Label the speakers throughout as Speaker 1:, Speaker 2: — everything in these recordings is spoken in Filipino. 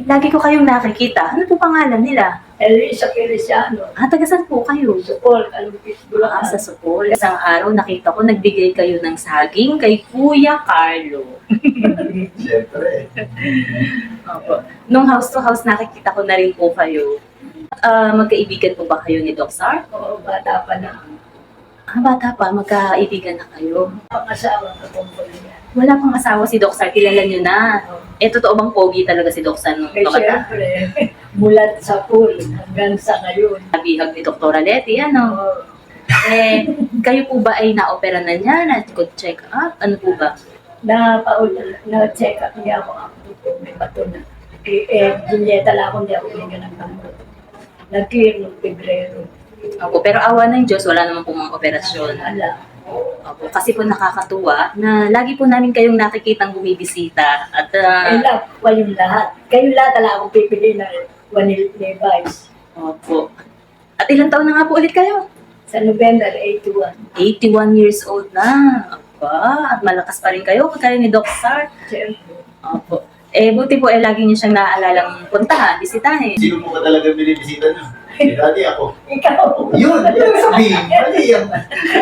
Speaker 1: Lagi ko kayong nakikita. Ano po pangalan nila?
Speaker 2: Elisa Feliciano.
Speaker 1: Taga saan po kayo?
Speaker 2: Supol, Kalumpit, Bulacan.
Speaker 1: Sa Sukol. Isang araw nakita ko nagbigay kayo ng saging kay Kuya Carlo.
Speaker 3: Siyempre.
Speaker 1: Opo. Nung house to house nakikita ko na rin po kayo. Magkaibigan po ba kayo ni Doc Sar?
Speaker 2: Oo, bata pa na.
Speaker 1: Bata pa, magkaibigan na kayo.
Speaker 2: Pang-asawa ko tungkol niya.
Speaker 1: Wala pang asawa si Doc Sar, kilala nyo na. Totoo bang pogi talaga si Doc Sar nung
Speaker 2: Eh,
Speaker 1: bata?
Speaker 2: siyempre, mulat sa pool hanggang sa ngayon.
Speaker 1: Bihag ni Dr. Leti, ano?
Speaker 2: Oo.
Speaker 1: Kayo po ba ay na-opera na niya? Na-check up? Ano po ba?
Speaker 2: Na-check up niya ako may bato na. Julieta lang ako, hindi ako binigyan ng gamot. Nag-clear noong Pebrero.
Speaker 1: Opo, pero awa ng Diyos, wala naman po mga operasyon.
Speaker 2: Ala.
Speaker 1: Opo, kasi po nakakatuwa na lagi po namin kayong nakikitang bumibisita at
Speaker 2: Love pa yung lahat. Kayo lahat ala akong pipili na Wanil Levi's.
Speaker 1: opo. At ilang taon na nga po ulit kayo?
Speaker 2: Sa November 81.
Speaker 1: 81 years old na. Aba, at malakas pa rin kayo kagaya ni Doc Sar.
Speaker 2: Siyempre.
Speaker 1: Opo. Buti po lagi niyo siyang naalalang puntahan, bisitahin.
Speaker 3: Sino mo ka talaga binibisita niyo? Dati ako.
Speaker 2: Ikaw.
Speaker 3: Yun sabihin. Mali yan.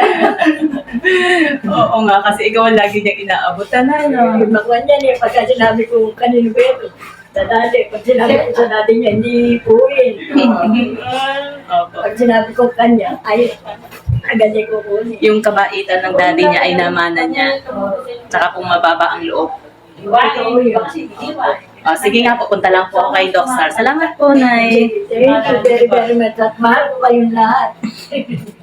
Speaker 1: Oo nga, kasi ikaw ang lagi niyang inaabutan na, no?
Speaker 2: Magwan yan pagka sinabi ko kanino ba ito? Sa dati, pag sinabi ko sa dati niya, hindi po
Speaker 1: Opo.
Speaker 2: Pag sinabi ko kanya, ay, agad niya kukunin.
Speaker 1: Yung kabaitan ng daddy niya ay namana niya. Tsaka kung mababa ang loob.
Speaker 2: Totoo yun.
Speaker 1: Sige nga, pupunta lang po ako kay Doc Sar. Salamat po, Nay.
Speaker 2: Thank you very, very much. At mahal ko kayong lahat.